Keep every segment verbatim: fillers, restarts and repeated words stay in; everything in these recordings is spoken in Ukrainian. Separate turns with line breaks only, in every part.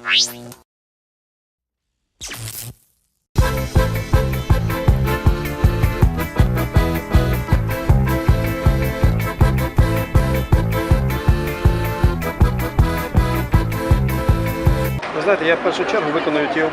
Ви знаєте, я в першу чергу виконую ті, е,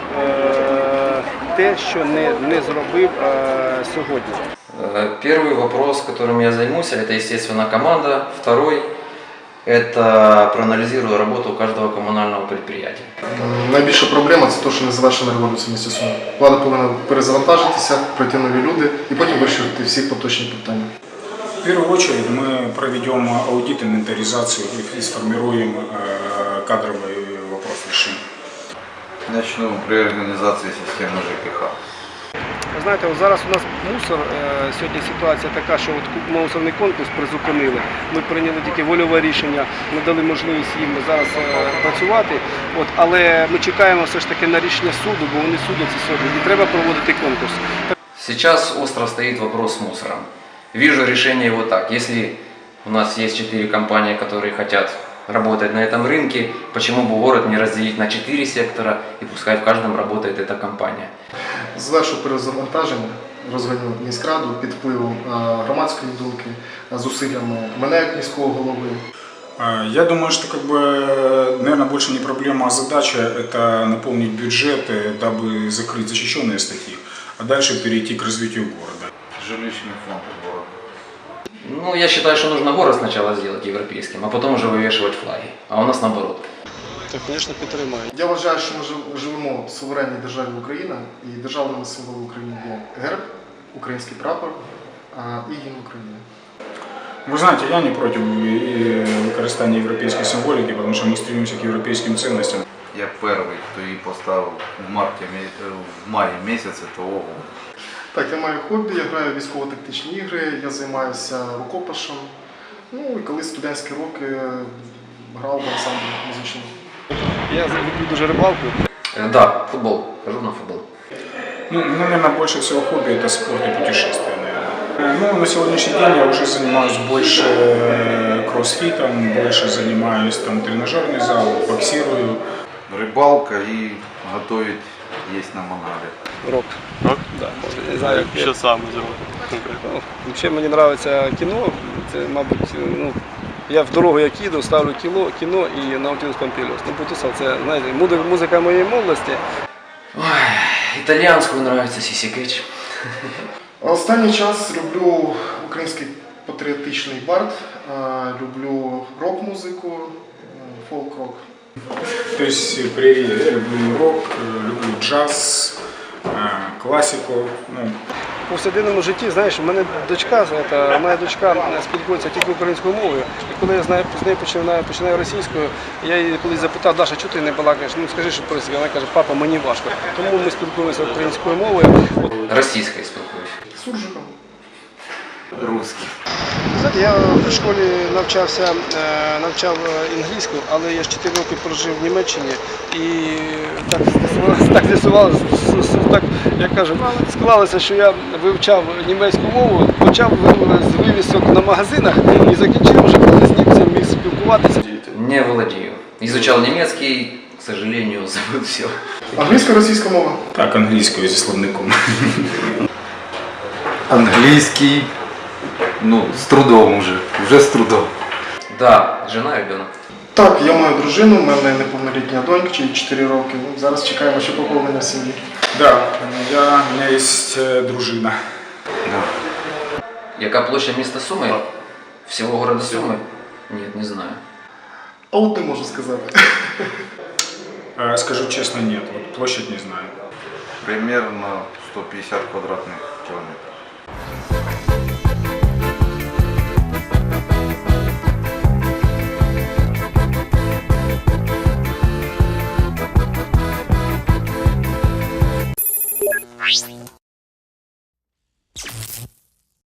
те, що не, не зробив е, сьогодні.
Первый вопрос, которым я займусь, это, естественно, команда. Второй – это проанализирую работу каждого коммунального предприятия.
Найбільша проблема – це те, що не завершена революція в місті Суми. Влада повинна перезавантажитися, прийти нові люди і потім вирішувати всі поточні питання.
В первую очередь мы проведем аудит, инвентаризацию и сформируем кадровый вопрос решения.
Начну при організації системи ЖКХ.
Ви знаєте, от зараз у нас мусор, е, сьогодні ситуація така, що от мусорний конкурс призупинили. Ми прийняли тільки вольове рішення, ми дали можливість їм зараз е, працювати. От, але ми чекаємо все ж таки на рішення суду, бо вони судяться сьогодні і треба проводити конкурс.
Сейчас остро стоит вопрос с мусором. Вижу решение его так. Если у нас есть четыре компании, которые хотят работать на этом рынке, почему бы город не разделить на четыре сектора и пускай в каждом работает эта компания.
Звершу перезавантаження, розганю міськраду під впливом громадської думки, зусиллями мене як міського голови.
Я думаю, что, как бы, наверное, больше не проблема, а задача – это наполнить бюджет, дабы закрыть защищенные статьи, а дальше перейти к развитию города.
Жилищный фонд города.
Ну, я считаю, что нужно город сначала сделать европейским, а потом уже вывешивать флаги. А у нас наоборот.
Так, звісно, підтримаю.
Я вважаю, що ми живемо в суверенній державі Україна, і державними символами України є герб, український прапор і гімн України.
Вы знаете, я не против використання европейской символики, потому что мы стремимся к европейским ценностям.
Я перший, хто її поставив в, марті, в маї місяці того року.
Так, я маю хобі, я граю в військово-тактичні ігри, я займаюся рукопашем. Ну і коли студентські роки грав в ансамблі музичному.
Я люблю дуже рибалку.
Э, да, футбол. Хожу на футбол.
Ну, наверное, больше всего хобби – это спорт и путешествия, наверное. Ну, на сегодняшний день я уже занимаюсь больше кроссфитом, больше занимаюсь там тренажерный зал, боксирую.
Рибалка і готовить їсть на мангале.
Рок.
Рок?
Да, може, не знаю, як
Що саме зробити?
Ну, ще мені подобається кіно. Це, мабуть, ну, я в дорогу як їду, ставлю кіно, кіно і Наутілус Помпіліус. Ну, Бутусов, це, знаєте, музика моєї молодості.
Ой, итальянскую нравится Сиси Кетч.
Останній час люблю український патріотичний бард, люблю рок-музику, фолк-рок.
То есть при, я люблю рок, люблю джаз, классику. Ну.
В повсякденному житті, знаєш, у мене дочка, це, моя дочка спілкується тільки українською мовою, і коли я знаю, з нею починаю, починаю російською, я її колись запитав: Даша, чого ти не балакаєш? Ну скажи, що по-російськи. Вона каже: папа, мені важко. Тому ми спілкуємося українською мовою.
Российской спілкуюсь.
Суржиком.
Русский.
Знаєте, я в школі навчався, навчав англійську, але я ж чотири роки прожив в Німеччині і так так з'ясувалося, так, як кажуть, склалося, що я вивчав німецьку мову, почав з вивісок на магазинах і закінчив вже, коли з німцем міг спілкуватися.
Не владею. Изучал немецкий, к сожалению, забыл все.
Англійська, російська мова?
Так, англійською зі словником.
Англійський, ну, з трудом вже, вже з трудом.
Да, жена, ребенок.
Так, я маю дружину, в мене неповнолітня донька, чи чотири роки. Ну, зараз чекаємо ще поповнення в сім'ї.
Да, я, у меня есть дружина.
Да.
Яка площадь міста Суми? Всего города Сумы? Нет, не знаю.
А от не можу сказати.
Скажу честно, нет, вот площадь не знаю.
Примерно сто пятьдесят квадратных километров.